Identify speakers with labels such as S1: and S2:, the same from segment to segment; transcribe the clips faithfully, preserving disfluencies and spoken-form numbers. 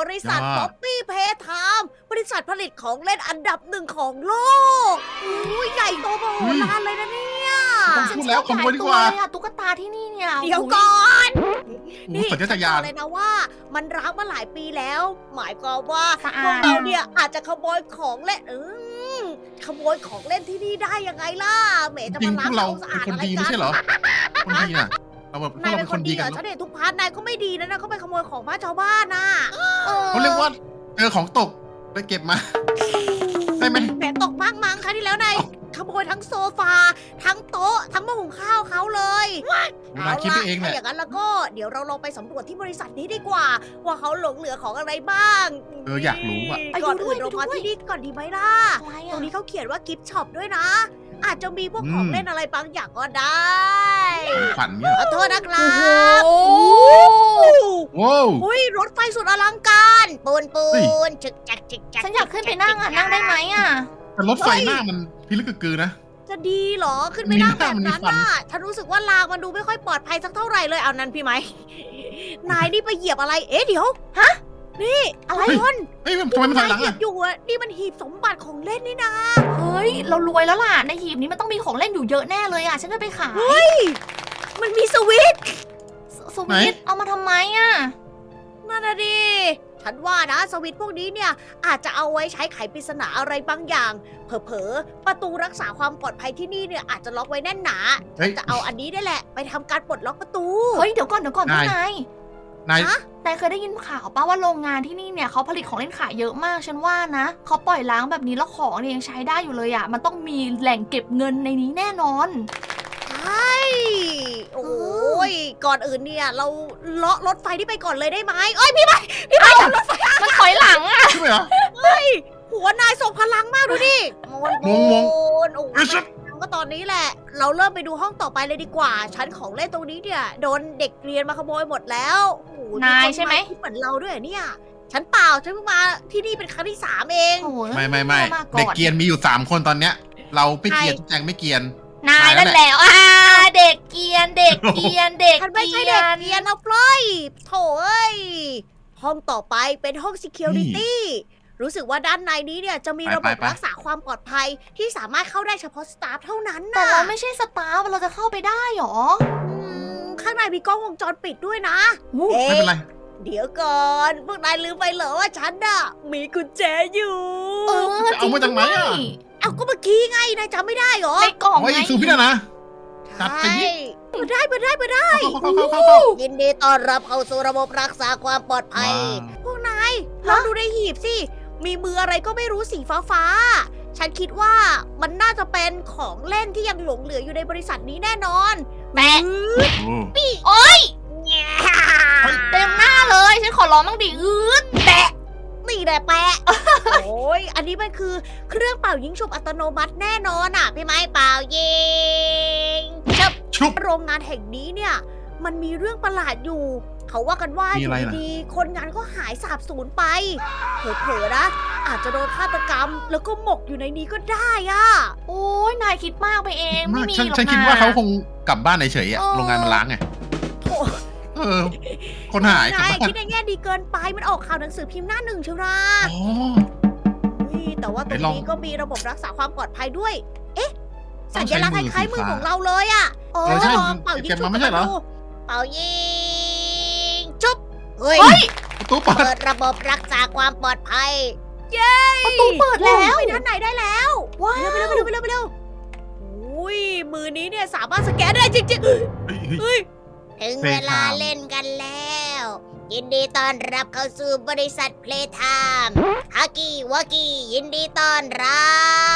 S1: ริษัท
S2: ยอด
S1: ป๊อปปี้เพย์ไทม์บริษัทผลิตของเล่นอันดับหนึ่งของโลกอุ้ยใหญ่โตมโหฬารเลยนะเนี่ย
S2: ต้องพูดแล้วขโมยดีกว่า
S3: หลยตัวเลยอะตุ๊กตาที่นี่เนี่ย
S1: เดี๋ยวก่อน
S2: โอ้โหสัญชาตญาณ
S1: ฉันบอกเลยนะว่ามันร้างมาหลายปีแล้ว หมายความว่า
S3: สะ
S1: พว
S3: อาก ด
S1: เราเนี่ยอาจจะขโมยของเล่นเออขโมยของเล่นที่นี่ได้ยังไงล่ะเหมจะ
S2: จริง
S1: มา
S2: พ
S1: ล้าง
S2: วกเรา
S1: สะ
S2: เป็
S1: อาน ด
S2: คน
S1: อะไร
S2: ดี
S1: กั
S2: ไม่
S1: น
S2: ใช่เหรอ คนดีน่ะ เราแบบพวก
S1: นาย
S2: เรา
S1: เป็
S2: เป็น น
S1: ค
S2: คน น
S1: ดี
S2: ดี
S1: เหร
S2: กั
S1: อน ฉันเห็นทุกพาร์ทนายก็ไม่ดีนะนะเขาไปขโมยของบ้านชาวบ้านน่ะ
S2: เขาเรียกว่าเจอของตกไปเก็บมาได้ไหม
S1: แหมตกมากมั้งครั้งที่แล้วนายขโมยทั้งโซฟา ทั้งโต๊ะ ทั้งหม้อหุงข้าวเขาเลย
S2: นายคิดไปเองแห
S1: ถ้า
S2: ละ
S1: อย่างนั้นแล้วก็เดี๋ยวเราลองไปสำรวจที่บริษัทนี้ดีกว่า ว่าเขาหลงเหลือของอะไรบ้าง
S2: เอออยากรู้อะ
S1: ก่อนอื่นเรามาที่นี่ก่อนดีไหมล่ะ
S3: อะไร
S1: ตร
S3: อะ
S1: งนี้เขาเขียนว่ากิฟต์ช็อปด้วยนะ อาจจะมีพวกของ
S2: อืม
S1: เล่นอะไรบางอย่างก็ได้
S2: ฝันเนี่ย
S1: ขอโทษนะครั
S3: โอ้
S1: บ
S3: โห
S2: ว้าว
S1: อุ้ยรถไฟสุดอลังการปูนปู
S2: เฮ้ย
S1: นจึกจักจึกจัก
S3: ฉันอยากขึ้นไปนั่งอะนั่งได้ไหมอะ
S2: แต่รถไฟหน้ามันพิลึกกึกกือนะ
S1: จะดีเหรอขึ้นไปนั่งแบบนั้น
S2: มีหน้ามันมีฟั
S1: น่ะฉันรู้สึกว่ารางมันดูไม่ค่อยปลอดภัยสักเท่าไหร่เลยเอานั้นพี่ไหม นายนี่ไปเหยียบอะไรเอ๊ะเดี๋ยวฮะนี่อะไรคน
S2: เฮ้ยทำไมมันถอยหลัง
S1: เหยีย
S2: อะ
S1: บอยู่อะนี่มันหีบสมบัติของเล่นนี่นะ
S3: เฮ้ยเรารวยแล้วล่ะในหีบนี้มันต้องมีของเล่นอยู่เยอะแน่เลยอะฉันจะไปขาย
S1: มันมีสวิตช์
S3: สสวิตช์เอามาทำไมอะ
S1: นั่นน่ะดิฉันว่านะสวิตช์พวกนี้เนี่ยอาจจะเอาไว้ใช้ไขปริศนาอะไรบางอย่าง เผลอๆประตูรักษาความปลอดภัยที่นี่เนี่ยอาจจะล็อกไว้แน่นหนา
S2: เฮ้ย
S1: จะเอาอันนี้ได้แหละ ไปทำการปลดล็อกประตู
S3: เฮ้ยเดี๋ยวก่อนเดี๋ยวก่อน
S2: นาย
S3: พี่นาย
S2: นาย
S1: ฮะ
S3: นายเคยได้ยินข่าวป่าว่าโรงงานที่นี่เนี่ยเขาผลิตของเล่นขายเยอะมากฉันว่านะเขาปล่อยล้างแบบนี้แล้วของเนี่ยยังใช้ได้อยู่เลยอะมันต้องมีแหล่งเก็บเงินในนี้แน่นอน
S1: ใช่โอ้ยก่อนอื่นเนี่ยเราเลาะรถไฟที่ไปก่อนเลยได้ไหมเอ้ยพี่ไปพี่ไปขับรถไฟ
S3: มันถอยหลังอะ
S2: ใช่ไหมเหรอ
S1: หัวนายส่งพลังมากดูดิมวน
S2: งงงง
S1: นโอ้
S2: เอ้ยชัด
S1: ยก็ตอนนี้แหละ เราเริ่มไปดูห้องต่อไปเลยดีกว่า ชั้นของเล่นตรงนี้เนี่ยโดนเด็กเรียนมาขโมยหมดแล้วโอ้โห
S3: นาย
S1: คน
S3: ใช่ไหม
S1: ที่เหมือนเราด้วยเหรอเนี่ย ฉันเปล่า ฉันเพิ่งมาที่นี่เป็นครั้งที่สามเอง
S3: โอ้โห
S2: ไม่ไม่ไม่
S3: า
S2: เด็ก
S3: อน
S2: เกรียนมีอยู่สามคนตอนเนี้ย เราไม่เกรียน
S1: ใคร
S2: ทุกแจงไม่เกรียน
S3: นาย
S2: นายนั่
S3: นั่น
S2: น
S3: แห
S2: แห
S3: ละ
S2: ละ
S3: อ่าเด็กเกรียนเด็กเกรียนเด็ก
S1: ฉันไม่
S3: เก
S1: ใช่
S3: รี
S1: เด็
S3: ย
S1: ก
S3: น
S1: เรียนนะปล่อยโถเอ้ย ห้องต่อไปเป็นห้อง security รู้สึกว่าด้านในนี้เนี่ยจะมี
S2: ไป
S1: ระบบ
S2: ไปไป
S1: รักษาความปลอดภัยที่สามารถเข้าได้เฉพาะสตาฟเท่านั้น
S3: แต่
S1: นะ
S3: เราไม่ใช่สตาฟเราจะเข้าไปได้หรอ
S1: อืมข้างในมีกล้องวงจรปิดด้วยนะ
S3: อู้
S1: เอ๊
S2: ไม่เป็นไร
S1: ะเดี๋ยวก่อน พวกนายลืมไปเหรอว่าฉันน่ะมีกุญแจอยู่
S3: เออ
S2: จะเอามาจากไหนอะ
S3: จริง
S1: เอาก็เมื่อกี้ไงนายจำไม่ได้เหรอ
S3: ด้วยในกล่อง
S2: โอ้ย
S3: ไง
S2: ซูพี่นะนะ จัดไป
S1: ใช่
S2: ดิ
S1: มาได้มาได้มาได้
S2: เข้าเข้าเข้าเข้าเข้า
S1: ยินดีต้อนรับเข้าสู่ระบบรักษาความปลอดภัย
S2: ว้าว
S1: พวกนายลองดูในหีบสิ มีมืออะไรก็ไม่รู้สีฟ้าฟ้าๆฉันคิดว่ามันน่าจะเป็นของเล่นที่ยังหลงเหลืออยู่ในบริษัทนี้แน่นอน
S3: แปะ
S1: อื้อ
S2: โอ้
S3: โอ๊ย
S1: แง่
S3: เต็มหน้าเลยฉันขอร้องบ้างดิอืดแปะ
S1: นี่แหละแปะ โอ้ย อันนี้มันคือเครื่องเป่ายิงฉุบอัตโนมัติแน่นอนอ่ะ พี่ไม้เป่ายิงชับ
S2: ชุบ
S1: โรงงานแห่งนี้เนี่ย มันมีเรื่องประหลาดอยู่ เขาว่ากันว่า
S2: มี
S1: อยู่
S2: อะไรล่ะ
S1: ดีๆคนงานก็หายสาบสูญไป เผลอๆนะ อาจจะโดนฆาตกรรม แล้วก็หมกอยู่ในนี้ก็ได้อ่ะ
S3: โอ้ยนายคิดมากไปเองไม่มี
S2: ฉัน
S3: หรอก
S2: ฉันคิด
S3: นะ
S2: ว่าเขาคงกลับบ้านเฉยๆอะ
S3: เออ
S2: โรงงานมันล้างไง
S1: โถ่
S2: เออ คนหายกลับ
S1: นาย
S2: บ้าน
S1: คิดในแง่ดีเกินไป มันออกข่าวหนังสือพิมพ์หน้าหนึ่งเชียวนะ
S2: อ๋อ
S1: นี่แต่ว่าตรง
S2: ไหนลอง
S1: นี้ก็มีระบบรักษาความปลอดภัยด้วย เอ๊ะ
S2: ต้
S1: สั
S2: อง
S1: ญ
S2: ใช้
S1: ลักษณ์
S2: มือ
S1: คล้ายๆมือ
S2: สีฟ้า
S1: ของเราเลยอ่ะ
S3: เอ
S2: เอ
S3: อ
S2: อใช่
S1: ลองเป่ายิง
S2: เก็บ
S1: ฉุบ
S2: มาไม่ใช่เหรอ
S1: ดูเป่ายิงจุ๊บเฮ้ย
S3: เฮ้ย
S2: ประตูเปิด
S1: เปิดระบบรักษาความปลอดภัย
S3: ประตูเปิดแล้ว
S1: ไปด้านไหนได้แล้ว
S3: ว้า
S1: ไปเร็วไป
S3: ว
S1: เร็วไปเร็วไปเร็วอุ้ยมือนี้เนี่ยสามารถสแกนได้จริง
S2: เฮ้ยเฮ้ย
S1: ๆเฮ้ยถึงเวลา
S2: Playtime
S1: เล่นกันแล้ว ยินดีต้อนรับเข้าสู่บริษัทเพลย์ไทม์ฮักกี้วากี้ยินดีต้อนรับ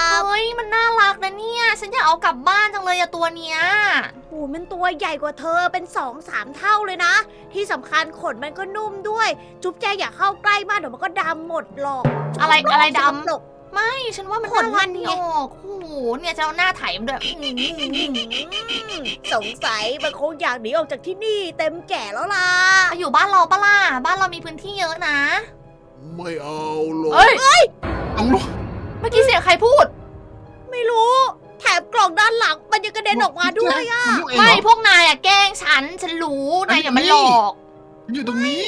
S3: เฮ้ยมันน่ารักนะเนี่ย ฉันอยากเอากลับบ้านจังเลยอะตัวเนี้ย
S1: โอ้มันตัวใหญ่กว่าเธอเป็นสองสามเท่าเลยนะ ที่สำคัญขนมันก็นุ่มด้วย จุ๊บแจอย่าเข้าใกล้มากเดี๋ยวมันก็ดำหมดหรอก
S3: อะไรอะไรดำ
S1: สกปรก
S3: ไม่ฉันว่ามัน
S1: ขน
S3: น่า
S1: มั
S3: รัก
S1: น
S3: ดี
S1: ไง
S3: ออกโอ้โหเนี่ยจะเอาหน้าไถมันด้วยอื้อหือหือหือ
S1: สงสัยมันคงอยากหนีออกจากที่นี่เต็มแก่แล้วล่ะ
S3: เอาอยู่บ้านเราปะล่ะบ้านเรามีพื้นที่เยอะนะ
S2: ไม่เอาหรอก
S3: เอ้ย
S2: ต้องลุก
S3: เมื่อกี้เสียงใครพูด
S1: ไม่รู้ แถมกล่องด้านหลังมันยังกระเด็นออกมาด้วยอะ
S2: มันลุกเอง
S3: ไม่
S2: เหรอ
S3: พวกนายอะแกล้งฉัน ฉันรู้นายอย่ามาหลอก
S2: มันอยู่ตรงนี้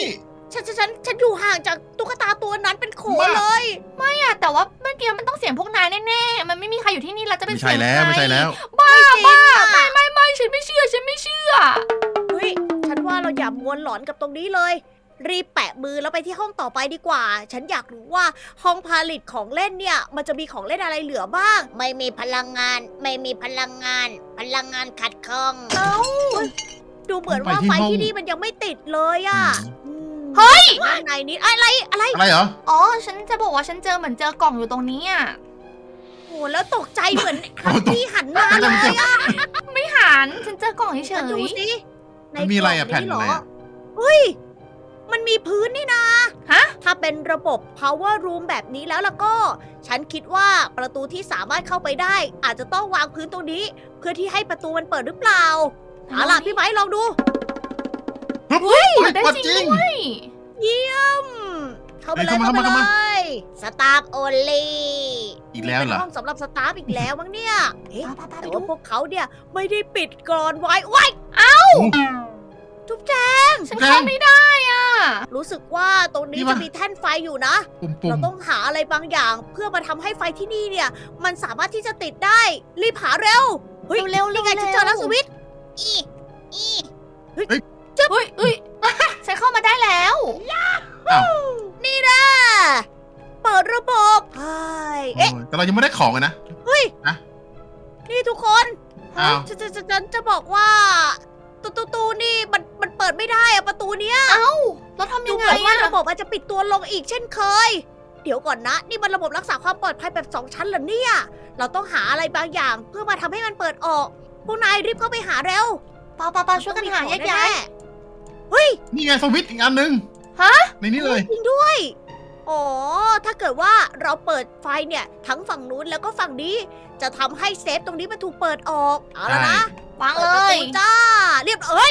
S1: ฉันฉันฉันฉันอยู่ห่างจากตุ๊กตาตัวนั้นเป็นโขเลย
S3: เนี่ยแต่ว่าเมื่อกี้มันต้องเสียงพวกนายแน่ๆ มันไม่มีใครอยู่ที่นี่แล้วจะเป็น
S2: ไม่
S3: เสี
S2: ใช่
S3: ยง
S2: แล้ว
S3: ใคร
S2: ไม่ใช่แล้ว
S3: บ้า
S1: ไม่จริง
S3: บ้า
S1: อะ
S3: ไม่ไม่ไม่ฉันไม่เชื่อฉันไม่เชื่อ
S1: เฮ้ยฉันว่าเราอย่ามัวหลอนกับตรงนี้เลย รีบแปะมือแล้วไปที่ห้องต่อไปดีกว่า ฉันอยากรู้ว่าห้องผลิตของเล่นเนี่ยมันจะมีของเล่นอะไรเหลือบ้าง ไม่มีพลังงาน ไม่มีพลังงาน พลังงานขัดข้อง
S3: เอ้า
S1: ดูเหมือนว่า
S2: ไปที่
S1: ไฟ
S2: ห้อง
S1: ที่นี่มันยังไม่ติดเลยอะ
S2: อืม
S3: เฮ้ย
S1: ด้านในนี้อะไรอะไร
S2: อะไรเหรอ
S3: อ๋อ ฉันจะบอกว่าฉันเจอเหมือนเจอกล่องอยู่ตรงนี้อ่ะ
S1: โอ้แล้วตกใจเหมือนฮันที่หันมา
S2: ไม่
S1: เล
S2: ได้ไม่
S1: ย
S2: ใช่
S1: อะ
S3: ไม่หันฉันเจอกล่องเฉ
S1: มาดู
S3: ย
S1: สิใน
S2: มันมีอะไรอะ
S1: กล่ง
S2: แผ่นอะไรอะ
S1: เฮ้ย มันมีพื้นนี่นะ
S3: ๆฮะ
S1: ถ้าเป็นระบบ power room แบบนี้แล้วล่ะก็ ฉันคิดว่าประตูที่สามารถเข้าไปได้ อาจจะต้องวางพื้นตรงนี้ เพื่อที่ให้ประตูมันเปิดหรือเปล่าเอาล่ะพี่ไม้ลองดู
S2: เฮ้ย
S3: ได้
S2: เปิด
S3: จริง
S2: จริง
S3: ด้วย
S1: เยี่ยม เข้าไปเลย
S2: เฮ้ย
S1: เข้า
S2: เข้า
S1: ไป
S2: มา
S1: เล
S2: เข้ามา
S1: ยสตาฟโอลี่
S2: อีกแล้วเหรอ
S1: เป็นห้องสำหรับสตาฟอีกแล้วมั้งเนี่ยเอ๊ะ
S3: ไปๆๆไป
S1: แต่
S3: ดู
S1: ว่าพวกเขาเนี่ยไม่ได้ปิดกรอนไว้ไว้ายจุ๊บแจง
S3: ฉันเข้าไม่ได้อ่ะ
S1: รู้สึกว่าตรงนี้
S2: นี่
S1: จะ
S2: วะ
S1: มีแท่นไฟอยู่นะ
S2: ปุ่มปุ่
S1: เรา
S2: ม
S1: ต้องหาอะไรบางอย่าง เพื่อมาทำให้ไฟที่นี่เนี่ย มันสามารถที่จะติดได้ รีบหาเร็ว เฮ้ย
S3: เร็วๆ
S1: นี่ไง
S3: เร็วๆ
S1: ฉันเจอแล้วสวิตช์อีอี
S3: เฮ้ยเอ้ย ฉันเข้ามาได้แล้ว
S2: อ้าว
S1: นี่นะเปิดระบบใช่
S2: โอ้
S1: เอ๊ะ
S2: ยแต่เรายังไม่ได้ของเลยนะ
S1: นี่ทุกคน
S2: อ้าว
S1: ฉันจะจะจะจะบอกว่าตูตูตูนี่มันมันเปิดไม่ได้อะประตูเนี้ย
S3: เอ้า แล้วทำ
S1: ดู
S3: ยัง
S1: เห
S3: ไง
S1: มือนว่า
S3: อะ
S1: ระบบมันจะปิดตัวลงอีกเช่นเคย เดี๋ยวก่อนนะ นี่มันระบบรักษาความปลอดภัยแบบสองชั้นเหรอเนี่ย เราต้องหาอะไรบางอย่าง เพื่อมาทำให้มันเปิดออก พวกนายรีบเข้าไปหาเร็ว
S3: ปาปาปาช่วยกันหาแยกย้าย
S1: เฮ้ย
S2: นี่ไงสวิตช์อีกอันหนึง
S3: ฮะ
S2: ในนี้เลย
S1: จริงด้วย อ๋อ ถ้าเกิดว่าเราเปิดไฟเนี่ย ทั้งฝั่งนู้นแล้วก็ฝั่งนี้ จะทำให้เซฟตรงนี้มันถูกเปิดออก เอาละนะ
S3: วาง
S1: เปิ
S3: เล
S1: ดประ
S3: ย
S1: ตูจ้า เรียบเอ้ย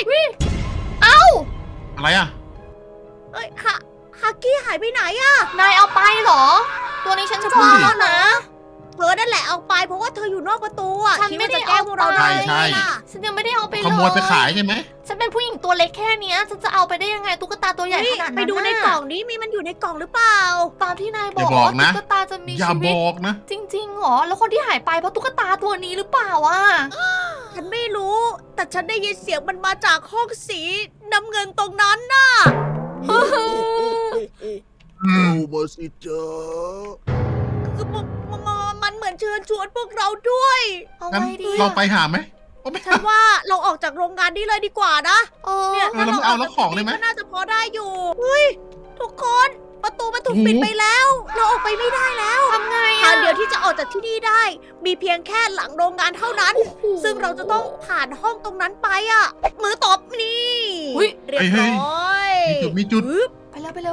S2: อะไรอ่ะ
S1: เอ้ยฮะฮักกี้หายไปไหนอะ
S3: นายเอาไปเหรอ ตัวนี้ฉันชอบ
S2: นั่นดิ
S3: นะ
S1: เธอนั่นแหละเอาไปเพราะว่าเธออยู่นอกประตูอะ
S3: ฉัน
S1: คิด
S3: ไม่
S1: ว่า
S3: ได้
S1: จะแกล้งพวกเรา
S3: เอาไป
S1: ได้
S2: ใช่
S1: ไงล่ะ
S3: ฉันยังไม่ได้เอาไปเลย
S2: ขโมยไปขายใช่ไหม
S3: ฉันเป็นผู้หญิงตัวเล็กแค่เนี้ยฉันจะเอาไปได้ยังไงตุ๊กตาตัวใหญ่
S1: เฮ้
S3: ข
S1: ย
S3: นาดนั้น
S1: ไปดูในกล่องนี้มีมันอยู่ในกล่องหรือเปล่า
S3: ตามที่นายบ
S2: อย่า
S3: อก
S2: บอก
S3: ว่า
S2: นะ
S3: ตุ๊กตาจะมี
S2: อย่า
S3: ชี
S2: บ
S3: วิต
S2: อกนะ
S3: จริงๆเหรอ แล้วคนที่หายไปเพราะตุ๊กตาตัวนี้หรือเปล่าอ่ะ
S1: ฉันไม่รู้ แต่ฉันได้ยินเสียงมันมาจากห้องสีน้ำเงินตรงนั้นน่ะ
S4: มาสิจ๊ะ
S1: คือมันมันมันเหมือนเชิญชวนพวกเราด้วย
S3: เอา
S2: งั้น
S3: ไงดี
S2: เรา
S3: อะ
S2: ไปหาไหมเอาไม่
S1: ฉันว่าเราออกจากโรงงานนี้เลยดีกว่านะ
S3: เออ
S1: เนี่ย
S2: เออเราไม่เอาแล้วของเลยไหม
S1: ก็น่าจะพอได้อยู่ เฮ้ย ทุกคน ประตูมันถูกปิดไปแล้ว เราออกไปไม่ได้แล้ว
S3: ทำไง
S1: ทา
S3: อะ
S1: งเดียวที่จะออกจากที่นี่ได้ มีเพียงแค่หลังโรงงานเท่านั้น
S3: โอ้โห
S1: ซึ่งเราจะต้องผ่านห้องตรงนั้นไปอ่ะ มือตบนี่
S3: อุ๊ย
S1: เรียบร้อย
S2: มีจุดมีจุด
S1: ปึ๊บ
S3: ไปแล้วไปแล้ว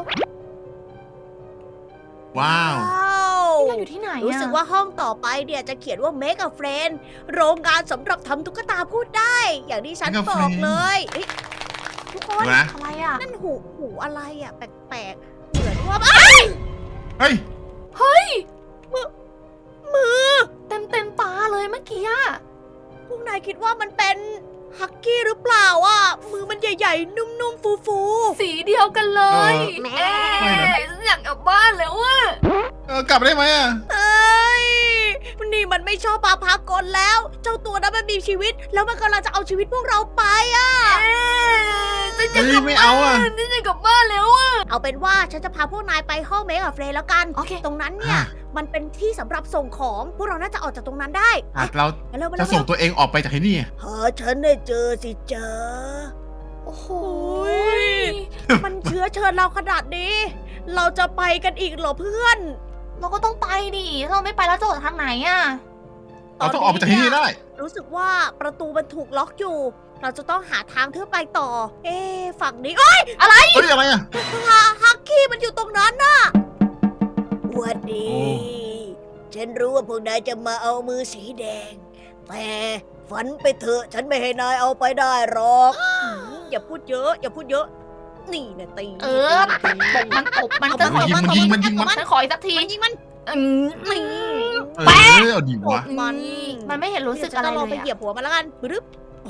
S2: ว้าว
S1: ว้าว
S3: นี่เราอยู่ที่ไหนอะ
S1: รู้สึกว่าห้องต่อไปเนี่ยจะเขียนว่า Make a Friend โรงงานสำหรับทำตุ๊กตาพูดได้ อย่างที่ฉัน
S2: Make a
S1: บอก
S2: Friend
S1: เลยเอ้ยทุกคน
S2: ดูนะ
S3: อะไรอ่ะ
S1: นั่นหูหูอะไรอ่ะ แปลกๆ เหมือนว่า
S2: เฮ้ย
S3: เฮ้ย
S1: มือ
S3: เต็มเต็มตาเลยเมื่อกี้อะ
S1: พวกนายคิดว่ามันเป็นฮักกี้หรือเปล่าอ่ะ มือมันใหญ่ๆ นุ่มๆ ฟู
S3: สีเดียวกันเลย
S2: เออ
S3: เอ๊
S2: ไม่นะ
S3: ะฉันอยากกลับบ้านแล้วอะ
S2: เออกลับได้ไหมอ่ะ
S1: ๆเอ้ยนี่มันไม่ชอบปาพากลแล้ว เจ้าตัวนั้นมันมีชีวิต แล้วมันกำลังจะเอาชีวิตพวกเราไปอ่ะ
S3: เอ๊ะฉันอยาก
S2: เฮ้ย
S3: กลับ
S2: ไม่
S3: บ้า
S2: เอาอ่ะ
S3: นฉันอยากกลับบ้านแล้วอะ
S1: เอาเป็นว่าฉันจะพาพวกนายไปห้องเมกับเฟรย์แล้วกัน
S3: โอเค
S1: ตรงนั้นเนี่ย
S2: อ่ะ
S1: มันเป็นที่สำหรับส่งของ พวกเราน่าจะออกจากตรงนั้นได้
S2: อ่ะเรา
S1: ไปเร็วไป
S2: จะ
S1: เร็ว
S2: ส่งตัวเองออกไปจากที่นี่
S1: หาฉันได้เจอสิเจอ
S3: โอ้โห
S1: ย มันเชื้อเชิญเราขนาดนี้ เราจะไปกันอีกเหรอเพื่อน
S3: เราก็ต้องไปดิถ้าเราไม่ไปแล้วจะออกทางไหนอะ
S2: เราต้องออกไปจากที่นี่ได้
S1: รู้สึกว่าประตูมันถูกล็อกอยู่ เราจะต้องหาทางเพื่อไปต่อ เอ๊ะฝั่งนี้เอ้ย
S2: เฮ้ยอะไรอ่ะ
S1: ฮาฮักกี้มันอยู่ตรงนั้นน่ะหวัดดี
S2: โอ้
S1: ฉันรู้ว่าพวกนายจะมาเอามือสีแดง แต่ฝันไปเถอะ ฉันไม่ให้นายเอาไปได้หรอกอย่าพูดเยอะ อย่าพูดเยอะ นี่นะตี
S3: เออตบมันตบมัน
S1: เอา
S3: จะขอ
S2: ยิงมันยิงมันยิงมัน
S3: ฉันขออีกสักที
S1: มันยิงมัน
S3: อืม
S1: นี่
S2: เออเอาดีวะ
S1: มัน
S3: มันไม่เห็นรู้สึก
S1: เดี๋ยว
S3: อะไร
S1: ฉันจลอง
S3: เล
S1: ไป
S3: ย
S1: เหยีย
S3: อะ
S1: บหัวมันแล้วกันปึ๊บโอ้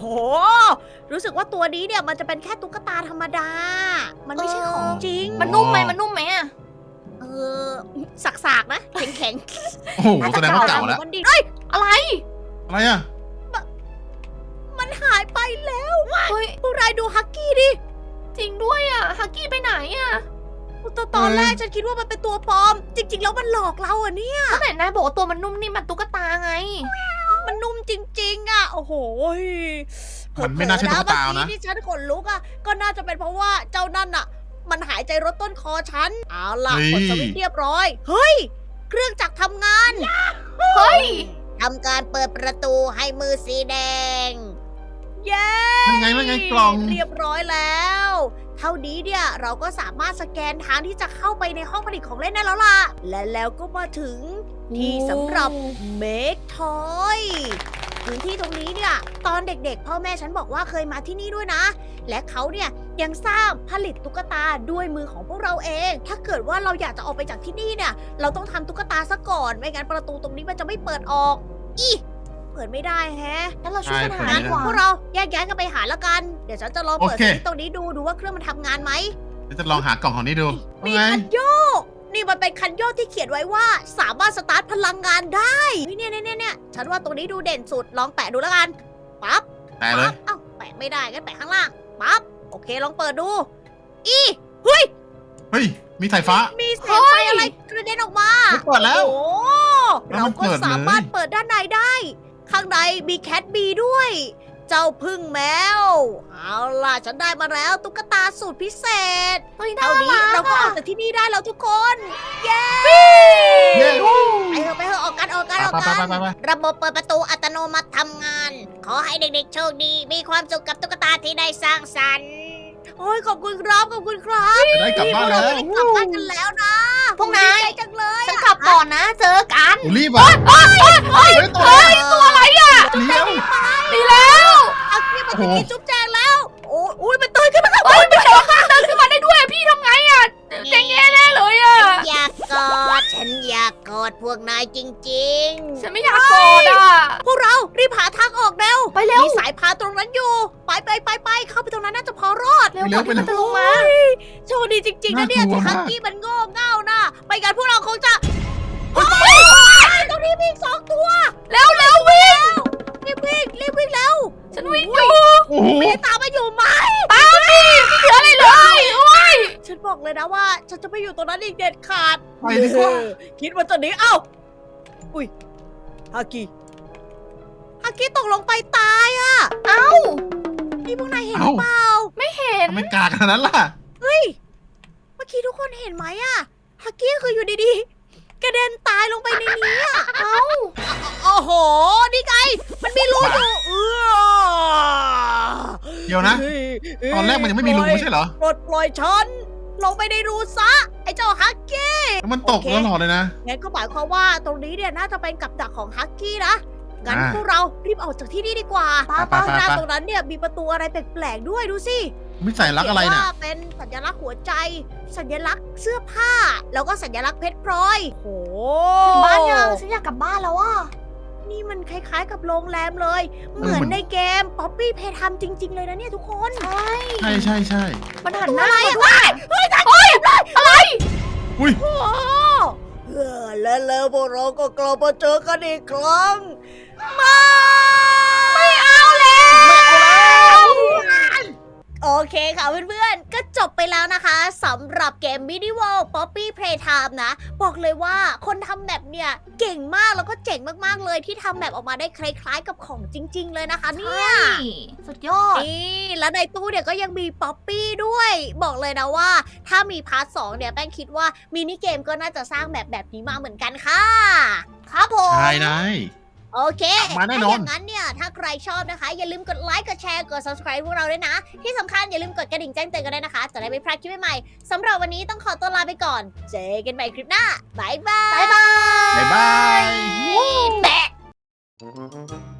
S1: โห รู้สึกว่าตัวนี้เนี่ยมันจะเป็นแค่ตุ๊กตาธรรมดา มันไม่ใช่ของจริง
S3: มันนุ่มไหมมันนุ่มไหมอะ
S1: เออสากๆนะ แข็ง
S2: โอ้โหแสดงว่าเก่าแล้ว
S1: มันดีเอ้ย
S3: อะไร
S2: อะไรอ่ะ
S1: มันหายไปแล้ว
S3: เฮ้ย
S1: พวกนายดูฮักกี้ดิ
S3: จริงด้วยอะฮักกี้ไปไหนอะ
S1: ตอนตอนแรกฉันคิดว่ามันเป็นตัวปลอม จริง ๆ แล้วมันหลอกเราอะเนี่ย
S3: ก็ไหนนายบอกว่าตัวมันนุ่มนี่มันตุ๊กตาไง
S1: มันนุ่มจริง ๆอะโอ้โห
S2: มันไม่น่าใช่ตุ๊กตา
S1: เผลอๆ
S2: นะ
S1: เมื่อกี้ที่ฉันขนลุกอะก็น่าจะเป็นเพราะว่าเจ้านั่นอะมันหายใจรถต้นคอฉัน เอาล่ะ
S2: เฮ้ย
S1: กดสวิตช์เรียบร้อย เฮ้ย เครื่องจักรทำงาน
S3: เฮ้ย
S1: ทำการเปิดประตูให้มือสีแดง เย้
S2: มันไงมันไงกล่อง
S1: เรียบร้อยแล้ว เท่านี้เนี่ยเราก็สามารถสแกนทางที่จะเข้าไปในห้องผลิตของเล่นได้แล้วล่ะ และแล้วก็มาถึงที่สำหรับ Make Toy พื้นที่ตรงนี้เนี่ย ตอนเด็กๆ พ่อแม่ฉันบอกว่าเคยมาที่นี่ด้วยนะ และเขาเนี่ยยังสร้างผลิตตุ๊กตาด้วยมือของพวกเราเอง ถ้าเกิดว่าเราอยากจะออกไปจากที่นี่เนี่ย เราต้องทำตุ๊กตาซะก่อน ไม่งั้นประตูตรงนี้มันจะไม่เปิดออก อีเปิดไม่ได้แฮะ
S3: งั้นเราช่วยกันหา
S2: ใช่
S3: ดีกว่า
S1: พวกเราแยกย้ายกันไปหาแล้วกัน เดี๋ยวฉันจะลองเปิด
S2: โอเค
S1: สวิตช์ตรงนี้ดูดูว่าเครื่องมันทำงานไหม
S2: เดี๋ยวจะลองหากล่องของนี้ดู
S1: มี
S2: ว่าไง
S1: คันโยก นี่มันเป็นคันโยกที่เขียนไว้ว่า สามารถสตาร์ทพลังงานได้เฮ้ยเนี่ยเนี่ยเนี่ยเนี่ยฉันว่าตรงนี้ดูเด่นสุด ลองแปะดูแล้วกัน ปั๊บ
S2: แต่เลย
S1: ปั๊บเอ้าแปะไม่ได้งั้นแปะข้างล่าง ปั๊บ โอเคลองเปิดดู อีเฮ้ย
S2: เฮ้ย มีสายฟ้า
S1: มีแสงไฟอะไรกระเด็นออกมา
S2: ไม่เปิดแล้ว
S1: โอ้
S2: แล้ว
S1: เรา
S2: มัน
S1: ก็
S2: เปิดเลย
S1: สามารถเปิดด้านในได้ ข้างในมีแคทบีด้วย เจ้าพึ่งแมว เอาล่ะ ฉันได้มาแล้วตุ๊กตาสูตรพิเศษ
S3: เฮ้ยน่า
S1: เท่านี้
S3: รั
S1: เรา
S3: ก
S1: ก็อ
S3: อะ
S1: อกจากที่นี่ได้แล้วทุกคน เย้
S2: เย้
S1: ไปเถอะไปเถอะออกกันออกกันออก
S2: ไป
S1: กัน
S2: ไปไปไป
S1: ระบบเปิดประตูอัตโนมัติทำงาน ขอให้เด็กๆโชคดี มีความสุขกับตุ๊กตาที่ได้สร้างสรรค์ โอ้ยขอบคุณครับขอบคุณครับ
S2: จะได้กลับบ้านแล้ว
S1: นี่พวกเราได้กลับบ้านกันแล้วนะ
S3: พวกนาย
S1: ดีใจจังเลย
S3: ฉันขับก่อนนะ เจอกัน
S2: โอ้รีบอ่ะเฮ้ยตัว
S1: ตัวอะไรอ่ะ
S2: เลี้ยว
S3: ดีแล้ว
S1: เอาที่มัน
S2: โอ้
S1: จะ
S2: โห
S1: กินจุ๊บแจงแล้ว โอ้อุ้ยมันตื่นขึ้นมาแล้ว
S3: เฮ้ยไม่ใช่ว่าข้างเดินขึ้นมาได้ด้วยอะพี่ทำไงอะเจ๊งแย่แน่เลยอะ
S1: ฉันอยากกอด ฉันอยากกอดพวกนายจริง
S3: ฉันไม่อยากกอดอะ
S1: ๆ พวกเรารีบหาทางออกเร็ว
S3: ไปเร็ว
S1: มีสายพานตรงนั้นอยู่ ไปไปไปไปเข้าไปตรงนั้นน่าจะพอรอด
S3: เร็วก่อนที่มันจะลงมา
S1: โชคดีจริงๆนะเนี่ย
S2: น่ากลัว
S1: ที่ฮั
S2: มาก
S1: กกี้มันโง่เง่านะไม่งั้นพวกเราคงจะเฮ้ยตรงนี้มีอีกสองตัว
S3: เร็วเร็ววิ่ง
S1: รีบวิ่งรีบวิ่งแล้ว
S3: ฉันวิ่งอยู่
S2: โอ้โห
S1: มีตามมาอยู่ไหม
S3: ตามดิไม่เหลืออะไรเลยโอ้ย
S1: ฉันบอกเลยนะว่าฉันจะไม่อยู่ตรงนั้นอีกเด็ดขาด
S2: ไปดีกว่า
S1: คิดว่าจะหนีเอ้าอุ้ยฮักกี้ฮักกี้ตกลงไปตายอ่ะ
S3: เอ้า
S1: นี่พวกนายเห็นหรือเปล่า
S3: ไม่เห็น
S2: ทำไมกากขนาดนั้นล่ะ
S1: เฮ้ยเมื่อกี้ทุกคนเห็นไหมอ่ะฮักกี้คืออยู่ดีๆกระเด็นตายลงไปในนี้อ่ะ
S3: เอ้า
S1: โอ้โห นี่ไง มันมีรูอยู่เออ
S2: เดี๋ยวนะ ตอนแรกมันยังไม่มีรูไม่ใช่เหรอ
S1: ปลดปล่อยฉัน ลงไปในรูซะ ไอ้เจ้าฮักกี้
S2: แล้วมันตก
S1: โอเค
S2: ตลอดเลยนะ
S1: งั้นก็หมายความว่าตรงนี้เนี่ยน่าจะเป็นกับดักของฮักกี้นะ งั้น
S2: อ่า
S1: พวกเรารีบออกจากที่นี่ดีกว่า
S3: ป้า
S2: ไป
S3: ป้า
S2: ไป
S1: ข้างหน้า
S2: ไป
S1: ตรงนั้นเนี่ยมีประตูอะไรแปลกๆด้วยดูสิ
S2: ไม่ใส่รักอะไร
S1: เขียน
S2: น่ะ
S1: ว่าเป็นสัญลักษณ์หัวใจ สัญลักษณ์เสื้อผ้า แล้วก็สัญลักษณ์เพชรพลอยโอ้โห
S3: ถึงบ้านยังฉันอยากกลับบ้านแล้วอะ
S1: นี่มันคล้ายๆกับโรงแรมเลย เหมือนในเกมป๊อปปี้เพย์ทำจริง ๆ เลยนะเนี่ยทุกคน
S3: ใช่
S2: ใช่ใช่ใช่
S3: มันหันหน้า
S1: อะไร
S3: มา
S1: อะ
S3: ด้วย
S1: เฮ้ยตายอะไร
S2: อุ้ย
S1: โอ้โหเออและแล้วพวกเราก็กลับมาเจอกันอีกครั้งไม่ไม่เอาแล้วไม่เอาแล้วโอเคค่ะเพื่อนๆ ก็จบไปแล้วนะคะสำหรับเกม Medieval Poppy Playtime นะ บอกเลยว่าคนทำแบบเนี่ยเก่งมากแล้วก็เจ๋งมากๆเลยที่ทำแบบออกมาได้คล้ายๆกับของจริง ๆ เลยนะคะเนี่ย
S3: ใช่สุดยอด
S1: นี่แล้วในตู้เนี่ยก็ยังมีป๊อปปี้ด้วย บอกเลยนะว่า ถ้ามีพาร์ทสองเนี่ยแป้งคิดว่ามินิเกมก็น่าจะสร้างแบบแบบนี้มาเหมือนกันค่ะ ครับผม
S2: ใช่นาย
S1: โอเค
S2: มาแน่นอน
S1: ถ้าอย่างนั้นเนี่ย ถ้าใครชอบนะคะ อย่าลืมกดไลค์ กดแชร์ กด subscribe พวกเราด้วยนะ ที่สำคัญอย่าลืมกดกระดิ่งแจ้งเตือนกันด้วยนะคะ จะได้ไม่พลาดคลิปใหม่ๆสำหรับวันนี้ต้องขอตัวลาไปก่อน เจอกันใหม่คลิปหน้า บ๊ายบาย
S3: บ๊ายบาย
S2: บ๊ายบาย
S1: แปะ